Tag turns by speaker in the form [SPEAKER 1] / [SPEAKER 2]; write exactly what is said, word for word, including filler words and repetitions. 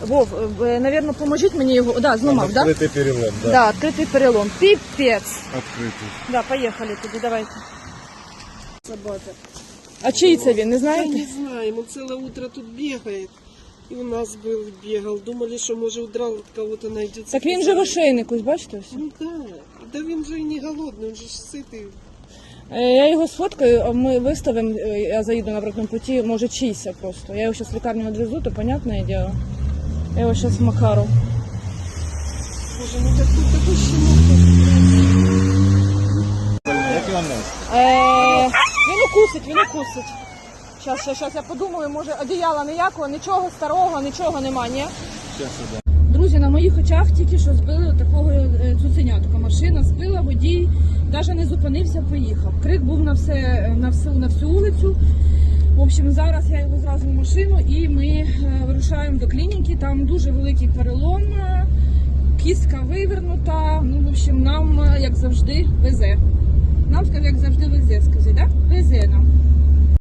[SPEAKER 1] Вов, е, навірно, поможіть мені його. Да, зламав, да?
[SPEAKER 2] Відкритий перелом, да.
[SPEAKER 1] Да, відкритий перелом. Піпець.
[SPEAKER 2] Відкритий.
[SPEAKER 1] Да, поїхали тоді, давайте. Собака. А чий це він, не
[SPEAKER 3] Я
[SPEAKER 1] знаєте?
[SPEAKER 3] не знаю, он целое утро тут бегает. И у нас был, бегал. Думали, что, может, удрал от кого-то найдется.
[SPEAKER 1] Так він же в ошейнику, бачите ось?
[SPEAKER 3] Ну да. Да він же и не голодный, он же ж сытый.
[SPEAKER 1] Е, Я його сфоткаю, а ми виставимо, е, я заїду на обратному путі, може чийся просто. Я його зараз в лікарню відвезу, то понятне діло. Я його зараз Макару.
[SPEAKER 3] Боже, ну так тут такой щенок.
[SPEAKER 2] Як його нести?
[SPEAKER 1] Е, він укусить, він укусить. Щас, щас, щас я подумаю, може одіяла ніякого, нічого старого, нічого нема, ні?
[SPEAKER 2] Зараз іде.
[SPEAKER 1] Друзі, на моїх очах тільки що збили такого е, цуценятка. Машина збила, водій навіть не зупинився, поїхав. Крик був на, все, на, всю, на всю вулицю. В общем, зараз я його зразу в машину і ми е, вирушаємо до клініки. Там дуже великий перелом, е, кістка вивернута. Ну, в общем, нам, е, як завжди, везе. Нам, як завжди, везе, скажи, так? Да? Везе нам.